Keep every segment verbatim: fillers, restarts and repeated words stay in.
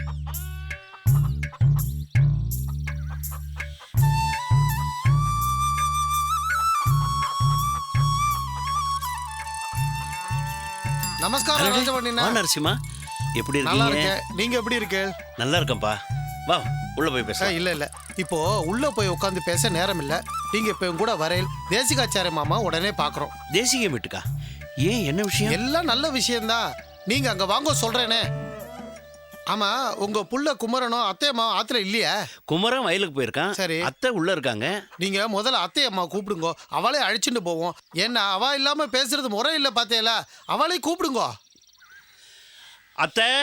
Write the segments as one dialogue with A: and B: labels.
A: நமஸ்காரம் ராஜபாண்டியண்ணா.
B: நரசிம்மா, எப்படி
A: நல்லா
B: இருக்கீங்க?
A: இருக்கேன். நீங்க எப்படி இருக்கு?
B: நல்லா இருக்கேன்ப்பா. வா உள்ள போய் பேச.
A: இல்ல இல்ல இப்போ உள்ள போய் உட்காந்து பேச நேரம் இல்ல. நீங்க இப்ப கூட வரையில் தேசிகாச்சாரிய மாமா உடனே பாக்குறோம்.
B: தேசிக வீட்டுக்கா? ஏன், என்ன விஷயம்?
A: எல்லாம் நல்ல விஷயம்தான். நீங்க அங்க வாங்க சொல்றேனே. ஆமா, உங்க புள்ள குமரனும் அத்தையம்மா ஆத்துல இல்லையா?
B: குமரன் வயலுக்கு போயிருக்கான். சரி, அத்தை உள்ள இருக்காங்க.
A: நீங்க முதல்ல அத்தையம்மா கூப்பிடுங்க, அவளே அழைச்சிட்டு போவோம். ஏன்னா அவ இல்லாம பேசுறது முறை இல்ல பாத்தேல, அவளே கூப்பிடுங்க.
B: அத்தை,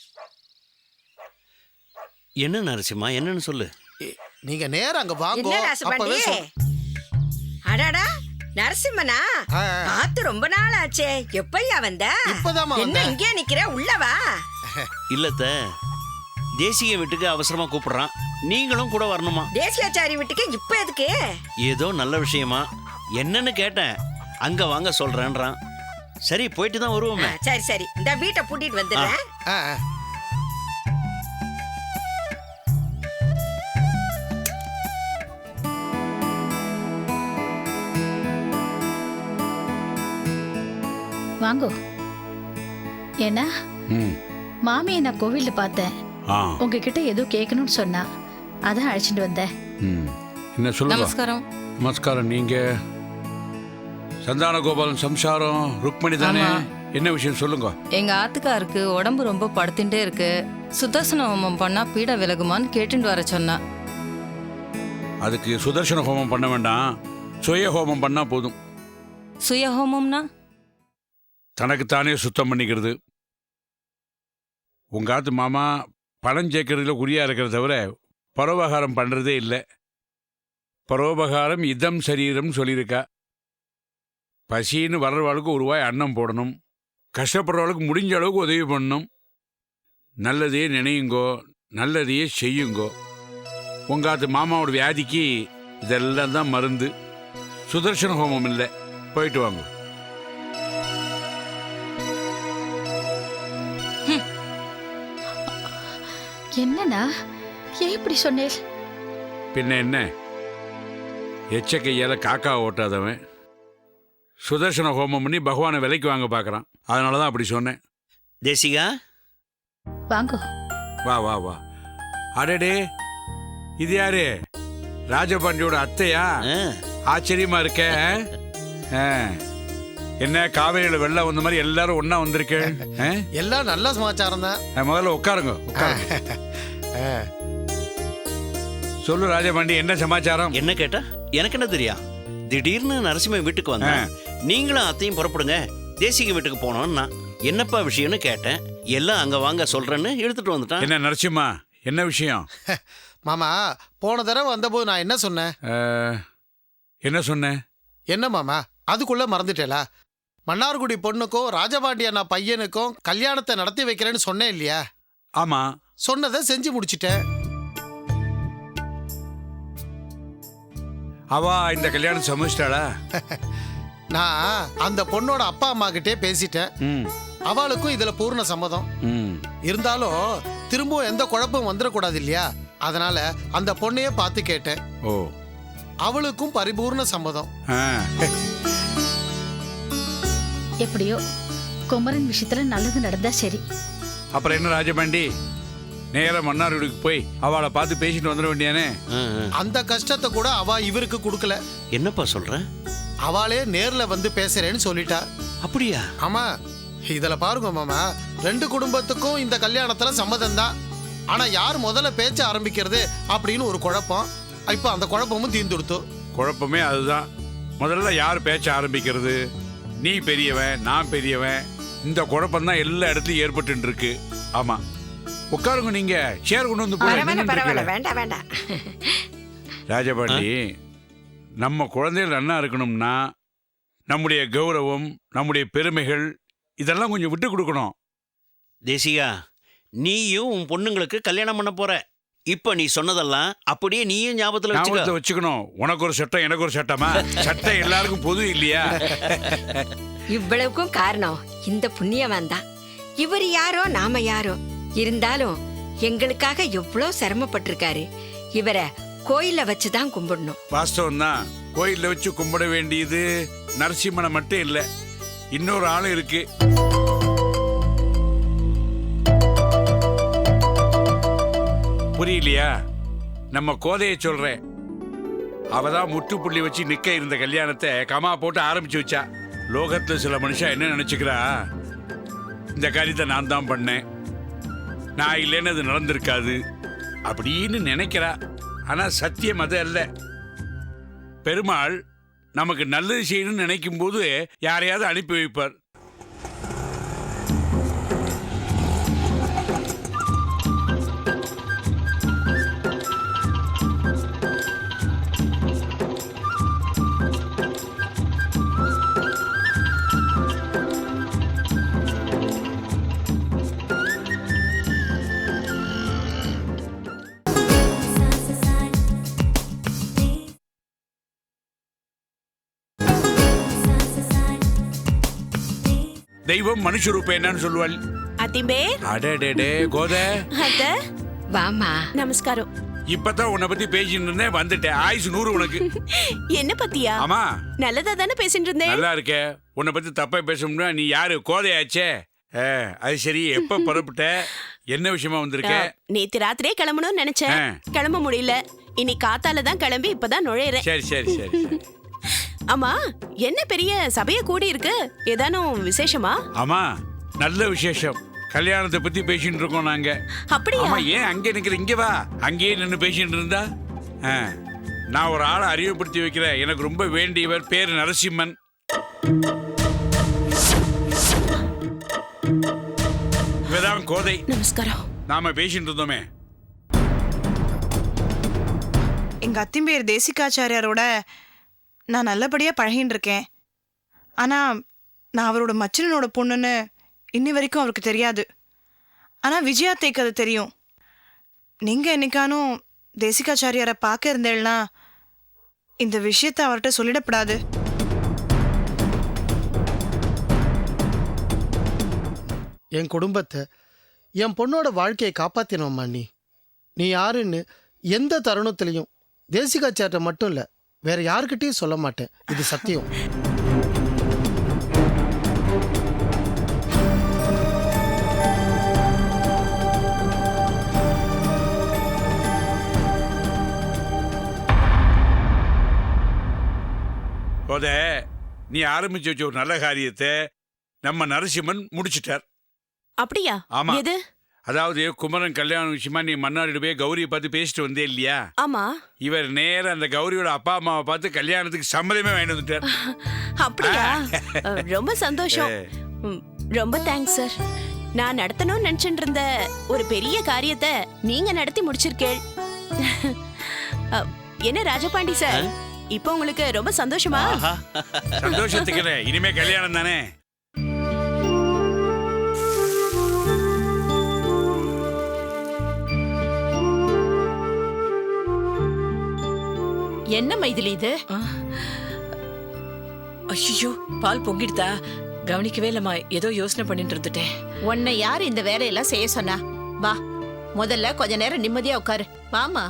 B: என்ன நரசிம்மா, என்னன்னு சொல்லு.
A: நீங்க நேரா அங்க வாங்க.
C: அப்பவே அடடா நரசிம்மனா, பார்த்து ரொம்ப நாள் ஆச்சே. எப்பையா வந்த?
A: இப்பதான்.
C: என்ன இங்கே நிக்கிற, உள்ளவா?
B: இல்லத்த, தேசிய வீட்டுக்கு அவசரமா கூப்பிடுறான், நீங்களும் கூட வரணுமா?
C: தேசியாச்சாரி வீட்டுக்கு இப்ப எதுக்கு?
B: ஏதோ நல்ல விஷயமா, என்னன்னு கேட்டேன். அங்க வாங்க சொல்றேன்றான். சரி, போயிட்டு தான் வருவோமே.
C: சரி சரி, இந்த வீட்டை பூட்டிட்டு வந்துடுறேன்.
D: வாங்கோ. என்ன மாமியை நான் கோவில்ல பார்த்தேன். உங்ககிட்ட ஏதோ கேட்கணும்னு சொன்னா, அதான் அழைச்சிட்டு வந்தேன்.
E: என்ன சொல்லுங்க?
F: நமஸ்காரம்.
E: நமஸ்காரம். நீங்க சந்தான கோபாலன் சம்சாரம் ருக்மணி தானே? என்ன விஷயம் சொல்லுங்க.
F: எங்க ஆத்துக்காருக்கு உடம்பு ரொம்ப படுத்துட்டே இருக்கு. சுதர்சன ஹோமம் பண்ணா பீட விலகுமான்னு கேட்டுட்டு வர சொன்னா.
E: அதுக்கு சுதர்சன ஹோமம் பண்ண வேண்டாம், சுய ஹோமம் பண்ணா போதும்.
F: சுய ஹோமம்னா
E: தனக்குத்தானே சுத்தம் பண்ணிக்கிறது. உங்க ஆத்து மாமா பணம் சேர்க்கறதுல குறியா இருக்கிறத தவிர பரோபகாரம் பண்றதே இல்லை. பரோபகாரம் இதம் சரீரம் சொல்லியிருக்கா. பசின்னு வர்றவாளுக்கு ஒரு ரூபாய் அன்னம் போடணும், கஷ்டப்படுறவளுக்கு முடிஞ்ச அளவுக்கு உதவி பண்ணணும். நல்லதையே நினையுங்கோ, நல்லதையே செய்யுங்கோ. உங்காத்து மாமாவோட வியாதிக்கு இதெல்லாம் தான் மருந்து. சுதர்சன ஹோமம் இல்லை. போயிட்டு வாங்க.
D: என்னன்னா ஏன் இப்படி சொன்னேன்?
E: பின்ன என்ன, எச்ச கையால காக்கா ஓட்டாதவன் சுதர்சன ஹோமம் பண்ணி பகவானை விலைக்கு வாங்க பார்க்கறான். அதனாலதான் அப்படி சொன்னேன்.
B: தேசிகா,
D: வாங்கோ.
E: வா வா வா. அடடே, இது யாரு? ராஜபாண்டியோட அத்தையா? ஆச்சரியமா இருக்க. என்ன காவேரியில வெள்ளம் வந்த மாதிரி எல்லாரும் ஒன்னா வந்திருக்கேன்.
A: எல்லாம் நல்ல சமாச்சாரம் தான்.
E: முதல்ல உட்காருங்க. சொல்லு ராஜபாண்டி, என்ன சமாச்சாரம்?
B: என்ன கேட்டா எனக்கு என்ன தெரியும்? திடீர்னு நரசிம்ம வீட்டுக்கு வந்த, நீங்களும் அத்தையும் புறப்படுங்க, தேசிக வீட்டுக்கு போனோம்னா என்னப்பா விஷயம்னு கேட்டேன். எல்லாம் அங்க வாங்க சொல்றேன்னு எடுத்துட்டு வந்துட்டான்.
E: என்ன நரசிம்மா, என்ன விஷயம்?
A: மாமா, போன தடவை வந்தபோது நான் என்ன சொன்னேன்?
E: என்ன சொன்னேன்?
A: என்ன மாமா, அதுக்குள்ள மறந்துட்டேலா? மன்னார்குடி பொண்ணுக்கும் ராஜபாண்டிய நான் பையனுக்கும் கல்யாணத்தை நடத்தி வைக்கிறேன்னு சொன்னேன் இல்லையா?
E: ஆமா,
A: சொன்னதை செஞ்சு முடிச்சிட்டேன்.
E: அவ இந்த கல்யாணம் சமைச்சிட்டாளா?
A: நான் அந்த பொண்ணோட அப்பா அம்மா கிட்டே பேசிட்டேன். அவளுக்கும் இதுல பூர்ண சம்மதம். இருந்தாலும் திரும்பவும் எந்த குழப்பம் வந்துடக்கூடாது இல்லையா? அதனால அந்த பொண்ணையே பார்த்து கேட்டேன்.
E: ஓ,
A: அவளுக்கும் பரிபூர்ண சம்மதம்.
D: எப்படியோ குமரன் விஷயத்துல நல்லது நடந்தா சரி.
E: அப்புறம் என்ன ராஜபாண்டி, நேர மன்னார்குடிக்கு போய் அவளை பார்த்து பேசிட்டு வந்துட வேண்டியானே?
A: அந்த கஷ்டத்தை கூட அவ இவருக்கு கொடுக்கல.
B: என்னப்பா சொல்ற?
A: அவளே நேர்ல வந்து பேசுறேன்னு சொல்லிட்டா.
B: அப்படியா?
A: ஆமா. இதுல பாருங்க மாமா, ரெண்டு குடும்பத்துக்கும் இந்த கல்யாணத்துல சம்மதம் தான். ஆனா யார் முதல்ல பேச்ச ஆரம்பிக்கிறது அப்படின்னு ஒரு குழப்பம். இப்ப அந்த குழப்பமும் தீர்ந்துடுத்து.
E: குழப்பமே அதுதான். முதல்ல யார் பேச்ச ஆரம்பிக்கிறது? நீ பெரியவன், நான் பெரியவன். இந்த குழப்பம் தான் எல்லா இடத்துலயும் ஏற்பட்டு இருக்கு. ஆமா, உட்காருங்க. நீங்க சேர் கொண்டு வந்து
C: வேண்டாம் வேண்டாம்.
E: ராஜபாண்டி, நம்ம குழந்தைகள் நல்லா இருக்கணும்னா நம்முடைய கௌரவம், நம்முடைய பெருமைகள் இதெல்லாம் கொஞ்சம் விட்டு கொடுக்கணும்.
B: தேசிகா, நீயும் உன் பொண்ணுங்களுக்கு கல்யாணம் பண்ண போற. இப்ப நீ சொன்னதெல்லாம் அப்படியே நீயும் ஞாபகத்துல
E: வச்சுக்கணும். உனக்கு ஒரு சட்டம், எனக்கு ஒரு சட்டமா? சட்டம் எல்லாருக்கும் பொது இல்லையா?
C: இவ்வளவுக்கும் காரணம் இந்த புண்ணியவன் தான். இவர் யாரோ நாம யாரோ இருந்தாலும் எங்களுக்காக எவ்வளவு சிரமப்பட்டிருக்காரு. இவரை கோயில்ல வச்சுதான் கும்பிடணும்.
E: வாஸ்தவம் தான். கோயில்ல வச்சு கும்பிட வேண்டியது நரசிம்மனை மட்டும் இல்ல, இன்னொரு ஆளும் இருக்கு. புரியலையா? நம்ம கோதையை சொல்றேன். அவதான் முற்றுப்புள்ளி வச்சு நிக்க இருந்த கல்யாணத்தை கமா போட்டு ஆரம்பிச்சு வச்சா. லோகத்துல சில மனுஷன் என்ன நினைச்சுக்கிறா, இந்த காரியத்தை நான் தான் பண்ணேன், நான் இல்லைன்னு அது நடந்திருக்காது அப்படின்னு நினைக்கிறா. ஆனா சத்தியம் அது அல்ல. பெருமாள் நமக்கு நல்லது செய்யணும்னு நினைக்கும் போது யாரையாவது அனுப்பி வைப்பார். தெய்வம் மனுஷ ரூபம் என்னன்னு சொல்லுவாள்.
G: அத்திம்பே.
E: அடடே கோத.
G: அத்த.
C: வாமா.
G: நமஸ்காரம்.
E: இப்பதான் உன்னை பத்தி பேசிட்டு இருந்தேன், வந்துட்டேன். ஆயுசு நூறு உனக்கு.
G: என்ன பத்தியா?
E: ஆமா.
G: நல்லதா தானே பேசிட்டு இருந்தேன்.
E: நல்லா இருக்க. உன்னை பத்தி தப்பா பேசணும்னா நீ யாரு? கோதையாச்சே. அது சரி, எப்ப புறப்பட்ட, என்ன விஷயமா வந்திருக்க?
G: நேத்து ராத்திரியே கிளம்பணும்னு நினைச்சேன், கிளம்ப முடியல. இன்னைக்கு காத்தால தான் கிளம்பி இப்பதான் நுழையிறேன்.
E: சரி சரி சரி.
G: ஆமா, என்ன பெரிய சபைய கூடி இருக்கு, ஏதானும் விசேஷமா?
E: ஆமா, நல்ல விசேஷம். கல்யாணத்தை பத்தி பேசிட்டு இருக்கோம் நாங்க.
G: அப்படியா?
E: ஆமா, ஏன் அங்கே நிக்கிற? இங்க வா. அங்கேயே நின்று பேசிட்டு இருந்தா. நான் ஒரு ஆளை அறிவுப்படுத்தி வைக்கிறேன். எனக்கு ரொம்ப வேண்டியவர். பேரு நரசிம்மன். இவதான் கோதை.
G: நமஸ்காரம்.
E: நாம பேசிட்டு இருந்தோமே.
H: எங்க அத்திம்பேர் தேசிகாச்சாரியாரோட நான் நல்லபடியா பழகின்னு இருக்கேன். ஆனா நான் அவரோட மச்சனனோட பொண்ணுன்னு இன்னி வரைக்கும் அவருக்கு தெரியாது. ஆனா விஜயாத்தைக்கு அது தெரியும். நீங்க என்னைக்கானும் தேசிகாச்சாரியாரை பார்க்க இருந்தேன்னா இந்த விஷயத்த அவர்கிட்ட சொல்லிடப்படாது.
A: என் குடும்பத்தை, என் பொண்ணோட வாழ்க்கையை காப்பாத்தினோம்மா. நீ நீ யாருன்னு எந்த தருணத்திலையும் தேசிகாச்சார்ட்ட மட்டும் இல்லை, வேற யாருக்கிட்டையும் சொல்ல மாட்டேன். இது சத்தியம்.
E: கோதை, நீ ஆரம்பிச்சு வச்ச ஒரு நல்ல காரியத்தை நம்ம நரசிம்மன் முடிச்சிட்டார்.
G: அப்படியா?
E: ஆமா.
G: எது?
E: அதாவது குமரன் கல்யாணம் விஷயமா நீ மன்னாரிட போய் கௌரியை பார்த்து பேசிட்டு வந்தே இல்லையா?
G: ஆமா.
E: இவர் நேர அந்த கௌரியோட அப்பா அம்மாவை பார்த்து கல்யாணத்துக்கு சம்மதமே வாங்கிட்டு வந்துட்டார்.
G: அப்படியா? ரொம்ப சந்தோஷம். ரொம்ப தேங்க்ஸ் சார். நான் நடத்தணும்னு நினைச்சிட்டு இருந்த ஒரு பெரிய காரியத்தை நீங்க நடத்தி முடிச்சிருக்கேள். என்ன ராஜபாண்டி சார், இப்போ உங்களுக்கு ரொம்ப சந்தோஷமா?
E: சந்தோஷத்துக்கு இனிமே கல்யாணம் தானே.
I: என்ன மைதிலி இது? ஐயோ, பால் பொங்கிடுதா? கவனிக்கவே இல்லம்மா, ஏதோ யோசனை பண்ணிட்டு இருந்துட்டேன்.
D: உன்னை யார் இந்த வேலையெல்லாம் செய்ய சொன்னா? வா, முதல்ல கொஞ்ச நேரம் நிம்மதியா உட்காரு. வாமா.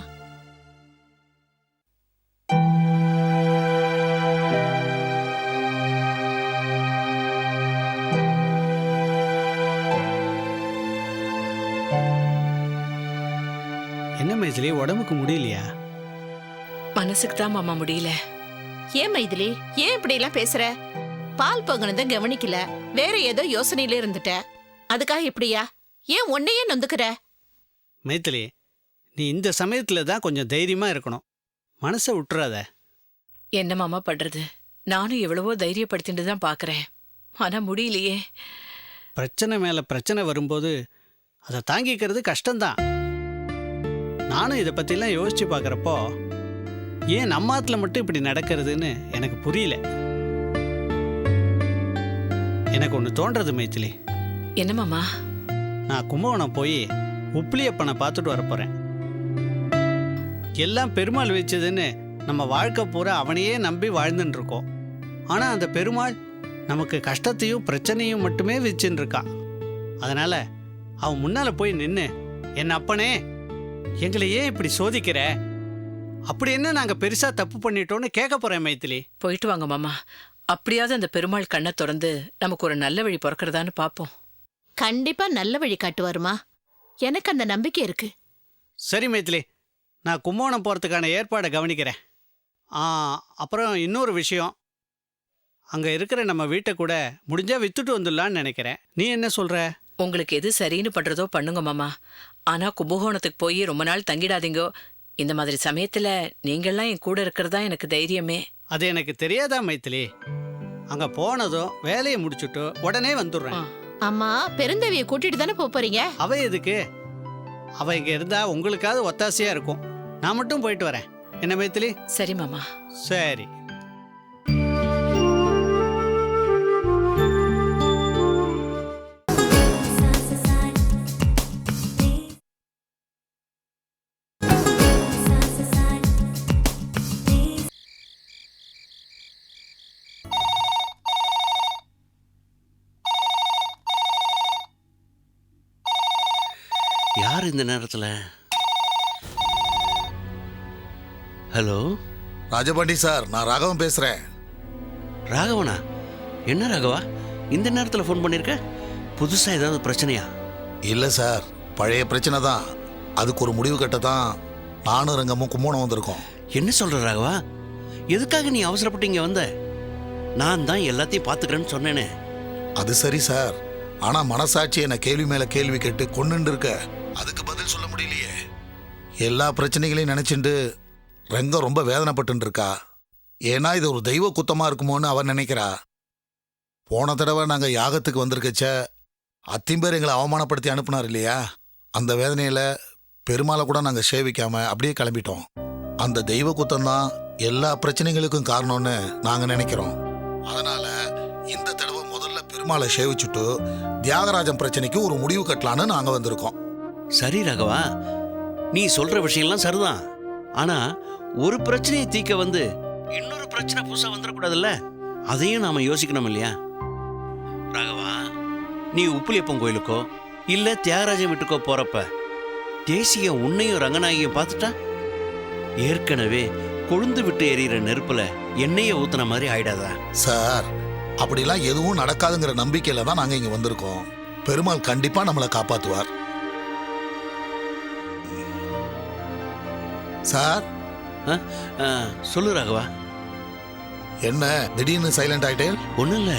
J: என்ன மைதிலி, உடம்புக்கு முடியலையா?
I: மனசுக்கு தான் மாமா முடியல.
D: ஏன் மைதிலி, ஏன் இப்படி எல்லாம் பேசுற? பால் பொங்கினத கவனிக்கல, வேற ஏதோ யோசனையில இருந்துட்ட. அதுக்காக இப்படியா? ஏன் உன்னையே நொந்துக்கிற?
J: மைதிலி, நீ இந்த சமயத்துல தான் கொஞ்சம் தைரியமா இருக்கணும். மனசை விட்டுறாத.
I: என்ன மாமா பண்றது? நானும் எவ்வளவோ தைரியப்படுத்திட்டு தான் பாக்குறேன், ஆனா முடியலையே.
J: பிரச்சனை மேல பிரச்சனை வரும்போது அதை தாங்கிக்கிறது கஷ்டம்தான். நானும் இதை பத்திலாம் யோசிச்சு பார்க்குறப்போ ஏன் நம்ம ஆத்துல மட்டும் இப்படி நடக்கிறதுன்னு எனக்கு புரியல. எனக்கு ஒன்று தோன்றது மைதிலி.
I: என்ன மாமா?
J: நான் கும்பகோணம் போய் உப்பிலியப்பனை பார்த்துட்டு வரப்போறேன். எல்லாம் பெருமாள் வச்சதுன்னு நம்ம வாழ்க்கை பூரா அவனையே நம்பி வாழ்ந்துட்டு இருக்கோம். ஆனால் அந்த பெருமாள் நமக்கு கஷ்டத்தையும் பிரச்சனையும் மட்டுமே வச்சுன்னு இருக்கான். அதனால அவன் முன்னால் போய் நின்று என் அப்பனே, எங்களை ஏன் இப்படி சோதிக்கிற? அப்படி என்ன நாங்க பெருசா தப்பு பண்ணிட்டோம்னு கேட்க போறேன் மைத்திலி.
I: போயிட்டு வாங்க மாமா. அப்படியாவது அந்த பெருமாள் கண்ணை திறந்து நமக்கு ஒரு நல்ல வழி பிறக்கிறதான்னு பாப்போம்.
G: கண்டிப்பா நல்ல வழி காட்டுவாருமா, எனக்கு அந்த நம்பிக்கை இருக்கு.
J: சரி மைத்திலி, நான் கும்போணம் போறதுக்கான ஏற்பாடை கவனிக்கிறேன். ஆ, அப்புறம் இன்னொரு விஷயம், அங்க இருக்கிற நம்ம வீட்டை கூட முடிஞ்சா வித்துட்டு வந்துடலான்னு நினைக்கிறேன். நீ என்ன சொல்ற?
I: உங்களுக்கு எது சரின்னு பண்றதோ பண்ணுங்க மாமா. ஆனா கும்பகோணத்துக்கு போய் ரொம்ப நாள் தங்கிடாதீங்கோ. இந்த மாதிரி சமயத்துல நீங்கள்லாம் என் கூட இருக்கிறதா எனக்கு தைரியமே.
J: அது எனக்கு தெரியாதா மைத்திலி? அங்க போனதும் வேலையை முடிச்சுட்டு உடனே வந்துடுறேன்.
G: அம்மா, பெருந்தேவிய கூட்டிட்டு தானே போறீங்க?
J: அவ எதுக்கு? அவ இங்க இருந்தா உங்களுக்காவது ஒத்தாசையா இருக்கும். நான் மட்டும் போயிட்டு வரேன். என்ன மைத்திலி?
I: சரி மாமா.
J: சரி.
B: யார் இந்த நேரத்தில்? ஹலோ
K: ராஜபாண்டி சார், நான் ராகவன் பேசுறேன்.
B: ராகவனா? என்ன ராகவா இந்த நேரத்தில் ஃபோன் பண்ணியிருக்க? புதுசாக ஏதாவது பிரச்சனையா?
K: இல்லை சார், பழைய பிரச்சனை தான். அதுக்கு ஒரு முடிவு கட்ட தான் நானும் ரங்கமும் கும்போணம் வந்திருக்கோம்.
B: என்ன சொல்கிற ராகவா? எதுக்காக நீ அவசரப்பட்டு இங்கே வந்த? நான் தான் எல்லாத்தையும் பார்த்துக்கிறேன்னு சொன்னேனே.
K: அது சரி சார், ஆனால் மனசாட்சி என்னை கேள்வி மேலே கேள்வி கேட்டு கொண்டுட்டு இருக்க. அதுக்கு பதில் சொல்ல முடியலையே. எல்லா பிரச்சனைகளையும் நினச்சிட்டு ரங்கம் ரொம்ப வேதனைப்பட்டு இருக்கா. ஏன்னா இது ஒரு தெய்வ குத்தமாக இருக்குமோன்னு அவன் நினைக்கிறா. போன தடவை நாங்கள் யாகத்துக்கு வந்திருக்கச்ச அத்திம்பேர் எங்களை அவமானப்படுத்தி அனுப்புனார் இல்லையா? அந்த வேதனையில் பெருமாளை கூட நாங்கள் சேவிக்காமல் அப்படியே கிளம்பிட்டோம். அந்த தெய்வ குத்தம்தான் எல்லா பிரச்சனைகளுக்கும் காரணம்னு நாங்கள் நினைக்கிறோம். அதனால் இந்த தடவை முதல்ல பெருமாளை சேவிச்சுட்டு தியாகராஜன் பிரச்சனைக்கு ஒரு முடிவு கட்டலான்னு நாங்கள் வந்திருக்கோம்.
B: சரி ராகவா, நீ சொல்கிற விஷயம்லாம் சரிதான். ஆனால் ஒரு பிரச்சனையை தீர்க்க வந்து இன்னொரு பிரச்சனை புதுசாக வந்துடக்கூடாதுல்ல? அதையும் நாம் யோசிக்கணும் இல்லையா? ராகவா, நீ உப்புலியப்பன் கோயிலுக்கோ இல்லை தியாகராஜன் வீட்டுக்கோ போகிறப்ப தேசிய உன்னையும் ரங்கநாயகியும் பார்த்துட்டா ஏற்கனவே கொழுந்து விட்டு எரியிற நெருப்புல எண்ணெயை ஊத்துன மாதிரி ஆயிடாதா?
K: சார், அப்படிலாம் எதுவும் நடக்காதுங்கிற நம்பிக்கையில தான் நாங்கள் இங்கே வந்திருக்கோம். பெருமாள் கண்டிப்பாக நம்மளை காப்பாற்றுவார். சார்.
B: சொல்லு ராகவா.
K: என்ன திடீர்னு சைலண்ட் ஆயிட்டேன்?
B: ஒன்றும் இல்லை,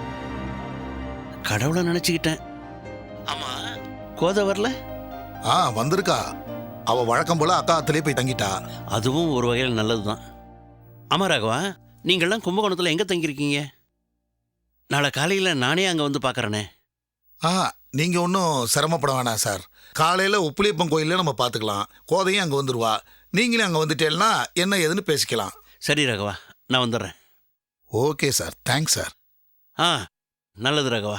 B: கடவுளை நினச்சிக்கிட்டேன். ஆமா, கோதை வரல?
K: ஆ, வந்திருக்கா. அவ வழக்கம் போல அக்கா அத்திலே போய் தங்கிட்டா.
B: அதுவும் ஒரு வகையில் நல்லது தான். ஆமா ராகவா, நீங்கள்லாம் கும்பகோணத்தில் எங்கே தங்கியிருக்கீங்க? நாளை காலையில் நானே அங்கே வந்து பார்க்குறேனே.
K: ஆ, நீங்கள் ஒன்றும் சிரமப்பட வேணாம் சார். காலையில் உப்புலியப்பன் கோயிலில் நம்ம பார்த்துக்கலாம். கோதையும் அங்கே வந்துடுவா. நீங்களே அங்கே வந்துட்டேன்னா என்ன ஏதுன்னு பேசிக்கலாம்.
B: சரி ராகவா, நான் வந்துடுறேன்.
K: Okay sir, thanks sir.
B: ஆ, நல்லது ராகவா.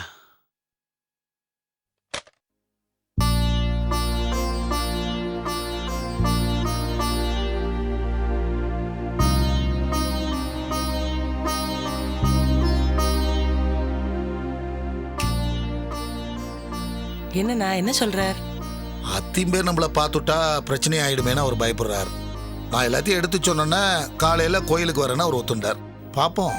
I: என்னண்ணா என்ன சொல்றார்?
K: அத்திம்பேர் நம்மளை பார்த்துட்டா பிரச்சனை ஆயிடுமேன்னு அவர் பயப்படுறார். நான் எல்லாத்தையும் எடுத்து சொன்னேன்னா காலையில் கோயிலுக்கு வரேன்னா அவர் ஒத்துண்டார். பார்ப்போம்.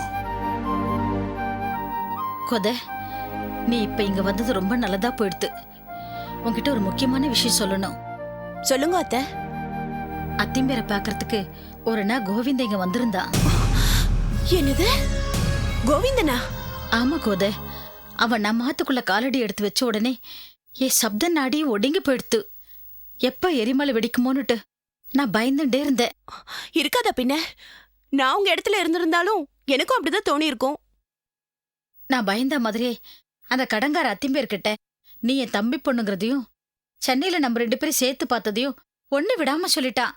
D: கொத, நீ இப்ப இங்க வந்தது ரொம்ப நல்லதா போயிடுது. உன்கிட்ட ஒரு முக்கியமான விஷயம் சொல்லணும்.
G: சொல்லுங்க அத்தை.
D: அத்திம்பேரை பாக்குறதுக்கு ஒரு நாள் கோவிந்த இங்க வந்திருந்தா.
G: என்னது? கோவிந்தனா?
D: ஆமா கோத, அவன் நம்ம ஆத்துக்குள்ள காலடி எடுத்து வச்ச உடனே என் சப்த நாடி ஒடுங்கி போயிடுத்து. எப்ப எரிமலை வெடிக்குமோன்னுட்டு நான் பயந்துட்டே இருந்தேன்.
G: இருக்காதா பின்ன? நான் உங்க இடத்துல இருந்திருந்தாலும் எனக்கும் அப்படிதான் தோணி இருக்கும்.
D: நான் பயந்த மாதிரியே அந்த கடங்கார அத்திம்பேர்கிட்ட நீ என் தம்பி பொண்ணுங்கிறதையும் சென்னையில நம்ம ரெண்டு பேரும் சேர்த்து பார்த்ததையும் ஒண்ணு விடாம சொல்லிட்டான்.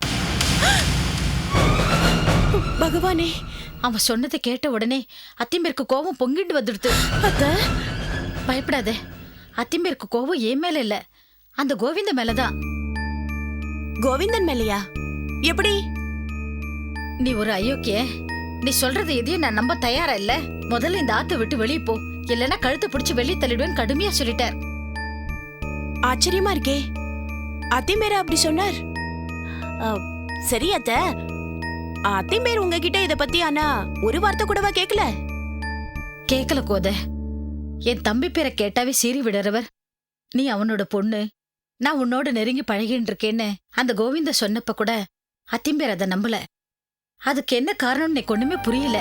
G: பகவானே!
D: அவன் சொன்னதை கேட்ட உடனே அத்திம்பேருக்கு கோபம் பொங்கிட்டு வந்துடுது. பயப்படாத, அத்திம்பேருக்கு கோபம் ஏன் மேல இல்ல, அந்த கோவிந்த மேலதான்.
G: கோவிந்தன் மேலையா? எப்படி?
D: நீ ஒரு அயோக்கிய. நீ சொல்றது எதையும் நான் நம்ப தயாரா இல்ல. முதல்ல இந்த ஆத்தை விட்டு வெளியே போ, இல்லைன்னா கழுத்தை பிடிச்சு வெளியே தள்ளிடுவேன் கடுமையா சொல்லிட்டார்.
G: ஆச்சரியமா இருக்கே. அத்திம்பேரா அப்படி சொன்னார்? அ, சரி அத்த, அத்திம்பேர் உங்ககிட்ட இத பத்தி ஆனா ஒரு வார்த்தை கூடவா கேக்கல?
D: கேக்கல கோத. என் தம்பி பேரை கேட்டாவே சீறி விடுறவர். நீ அவனோட பொண்ணு, நான் உன்னோட நெருங்கி பழகின்னு இருக்கேன்னு அந்த கோவிந்த சொன்னப்ப கூட அத்திம்பேர் அதை நம்பல. அதுக்கு என்ன காரணம் எனக்கு ஒண்ணுமே புரியல.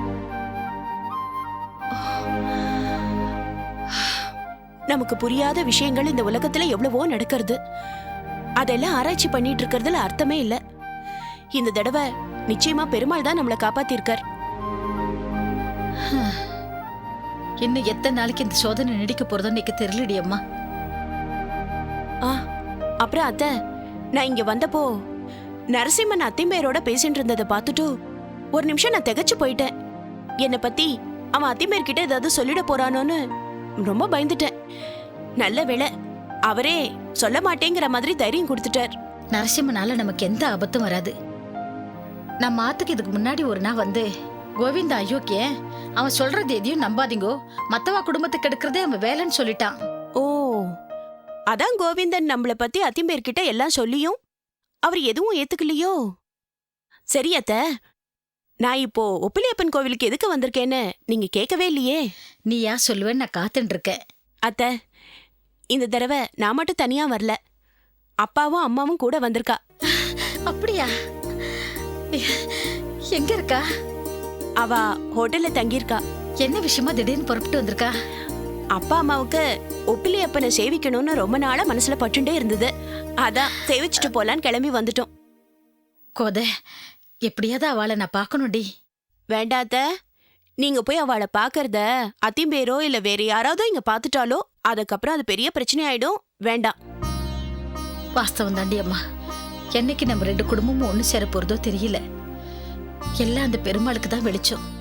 G: நமக்கு புரியாத விஷயங்கள் இந்த உலகத்துல எவ்வளவோ நடக்கிறது. அதெல்லாம் ஆராய்ச்சி பண்ணிட்டு இருக்கிறதுல அர்த்தமே இல்ல. இந்த தடவை நிச்சயமா பெருமாள் தான் நம்மளை காப்பாத்திருக்கார்.
D: இன்னும் எத்தனை நாளைக்கு இந்த சோதனை நீடிக்க போறதோ எனக்கு தெரியலடி அம்மா.
G: ஆ, அப்புறம் அத்த, நான் இங்க வந்தப்போ நரசிம்மன் அத்திம்பேரோட பேசிட்டு இருந்ததை பார்த்துட்டு ஒரு நிமிஷம் நான் திகைச்சு போயிட்டேன். என்னை பத்தி அவன் அத்திம்பேர் கிட்ட ஏதாவது சொல்லிட போறானோன்னு ரொம்ப பயந்துட்டேன். நல்ல வேளை அவரே சொல்ல மாட்டேங்கிற மாதிரி தைரியம் கொடுத்துட்டார்.
D: நரசிம்மனால நமக்கு எந்த ஆபத்தும் வராது. நம்ம ஆத்துக்கு இதுக்கு முன்னாடி ஒரு நாள் வந்து கோவிந்த அயோக்கிய, அவன் சொல்றது எதையும் நம்பாதீங்கோ, மத்தவா குடும்பத்துக்கு எடுக்கிறதே அவன் வேலைன்னு சொல்லிட்டான்.
G: ஓ, அதான் கோவிந்தன் நம்மள பத்தி அத்திம்பேர் கிட்ட எல்லாம் சொல்லியும் அவர் எதுவும் ஏத்துக்கலையோ? சரி அத்த, நான் இப்போ ஒப்பிலியப்பன் கோவிலுக்கு எதுக்கு வந்திருக்கேன்னு நீங்க கேட்கவே இல்லையே.
D: நீ யா சொல்லுவேன்னு நான் காத்துட்டு இருக்கேன்.
G: அத்த, இந்த தடவை நான் மட்டும் தனியா வரல, அப்பாவும் அம்மாவும் கூட வந்திருக்கா.
D: அப்படியா? எங்க இருக்கா?
G: அவ ஹோட்டல்ல தங்கியிருக்கா.
D: என்ன விஷயமா திடீர்னு புறப்பட்டு வந்திருக்கா?
G: அப்பா அம்மாவுக்கு ஒப்பிலியப்பனை சேவிக்கணும்னு ரொம்ப நாளா மனசுல பட்டுண்டே இருந்தது. அதான் சேவிச்சுட்டு போலான்னு கிளம்பி வந்துட்டோம்.
D: கோத, எப்படியாவது அவளை நான் பார்க்கணும்டி.
G: வேண்டாத்த, நீங்க போய் அவளை பாக்கறத அத்திம்பேரோ இல்ல வேற யாராவது இங்க பாத்துட்டாலோ அதுக்கப்புறம் அது பெரிய பிரச்சனை ஆயிடும். வேண்டாம்.
D: வாஸ்தவம் தாண்டி அம்மா. என்னைக்கு நம்ம ரெண்டு குடும்பமும் ஒண்ணு சேர போறதோ தெரியல. எல்லாம் அந்த பெருமாளுக்கு தான் வெளிச்சம்.